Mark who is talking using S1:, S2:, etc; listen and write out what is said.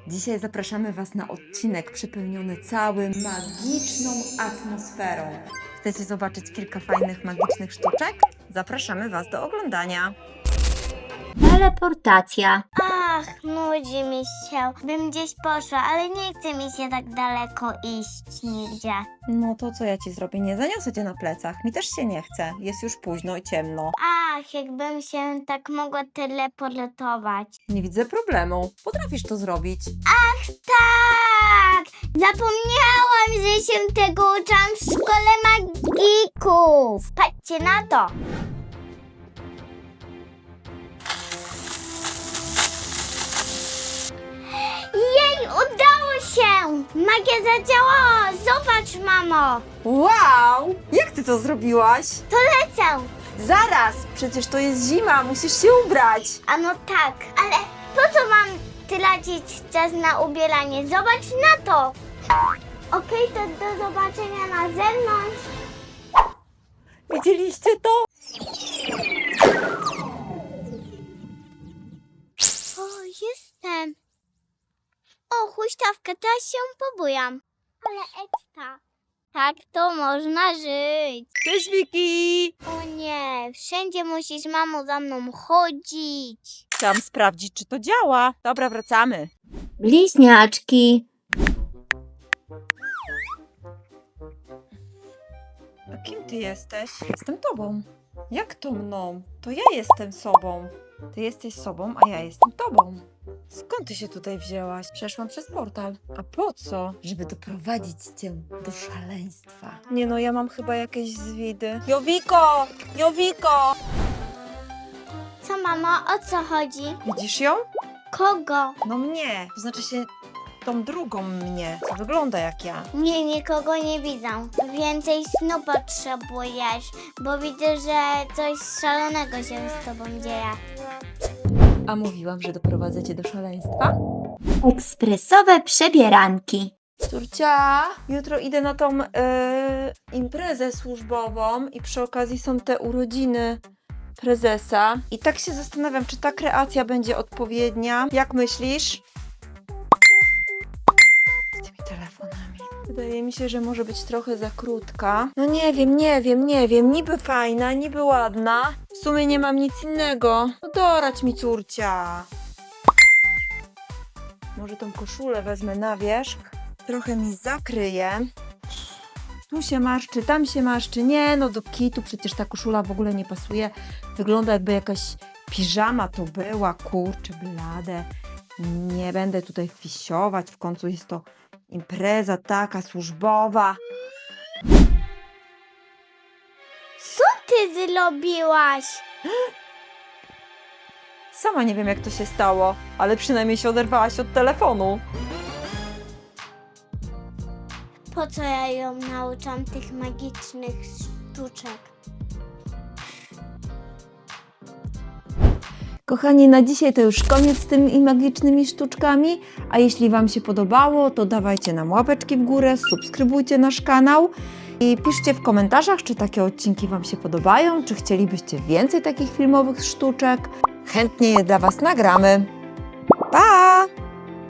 S1: Dzisiaj zapraszamy Was na odcinek przepełniony całym magiczną atmosferą. Chcecie zobaczyć kilka fajnych, magicznych sztuczek? Zapraszamy Was do oglądania.
S2: Teleportacja.
S3: Ach, nudzi mi się. Bym gdzieś poszła, ale nie chce mi się tak daleko iść nigdzie.
S1: No to co ja Ci zrobię? Nie zaniosę Cię na plecach. Mi też się nie chce. Jest już późno i ciemno.
S3: Ach, jakbym się tak mogła teleportować.
S1: Nie widzę problemu. Potrafisz to zrobić.
S3: Ach, tak! Zapomniałam, że się tego uczyłam w szkole magików. Patrzcie na to. Jej, udało się! Magia zadziałała! Zobacz, mamo!
S1: Wow! Jak Ty to zrobiłaś?
S3: To lecę!
S1: Zaraz! Przecież to jest zima, musisz się ubrać.
S3: A no tak, ale po co mam tracić czas na ubieranie? Zobacz na to! Okej, to do zobaczenia na zewnątrz.
S1: Widzieliście to?
S3: O, jestem. O, huśtawka, teraz się pobujam. Ale ekstra. Tak to można żyć.
S1: Cześć, Wiki!
S3: O nie, wszędzie musisz, mamo, za mną chodzić.
S1: Chciałam sprawdzić, czy to działa. Dobra, wracamy.
S2: Bliźniaczki.
S1: A kim Ty jesteś? Jestem Tobą. Jak to mną? To ja jestem sobą. Ty jesteś sobą, a ja jestem Tobą. Skąd Ty się tutaj wzięłaś? Przeszłam przez portal. A po co? Żeby doprowadzić Cię do szaleństwa. Nie no, ja mam chyba jakieś zwidy. Jowiko! Jowiko!
S3: Co, mamo, o co chodzi?
S1: Widzisz ją?
S3: Kogo?
S1: No mnie. To znaczy się tą drugą mnie, co wygląda jak ja.
S3: Nie, nikogo nie widzę. Więcej snu potrzebujesz, bo widzę, że coś szalonego się z tobą dzieje.
S1: A mówiłam, że doprowadzę Cię do szaleństwa?
S2: Ekspresowe przebieranki.
S1: Córcia, jutro idę na tą imprezę służbową i przy okazji są te urodziny prezesa. I tak się zastanawiam, czy ta kreacja będzie odpowiednia. Jak myślisz? Z tymi telefonami. Wydaje mi się, że może być trochę za krótka. No nie wiem. Niby fajna, niby ładna. W sumie nie mam nic innego. No dorać mi, córcia. Może tą koszulę wezmę na wierzch. Trochę mi zakryje. Tu się marszczy, tam się marszczy. Nie, no do kitu przecież ta koszula w ogóle nie pasuje. Wygląda jakby jakaś piżama to była. Kurczę, blade. Nie będę tutaj fisiować. W końcu jest to impreza taka służbowa.
S3: Co ty zrobiłaś?
S1: Sama nie wiem, jak to się stało, ale przynajmniej się oderwałaś od telefonu.
S3: Po co ja ją nauczam tych magicznych sztuczek?
S1: Kochani, na dzisiaj to już koniec z tymi magicznymi sztuczkami, a jeśli Wam się podobało, to dawajcie nam łapeczki w górę, subskrybujcie nasz kanał i piszcie w komentarzach, czy takie odcinki Wam się podobają, czy chcielibyście więcej takich filmowych sztuczek. Chętnie je dla Was nagramy. Pa!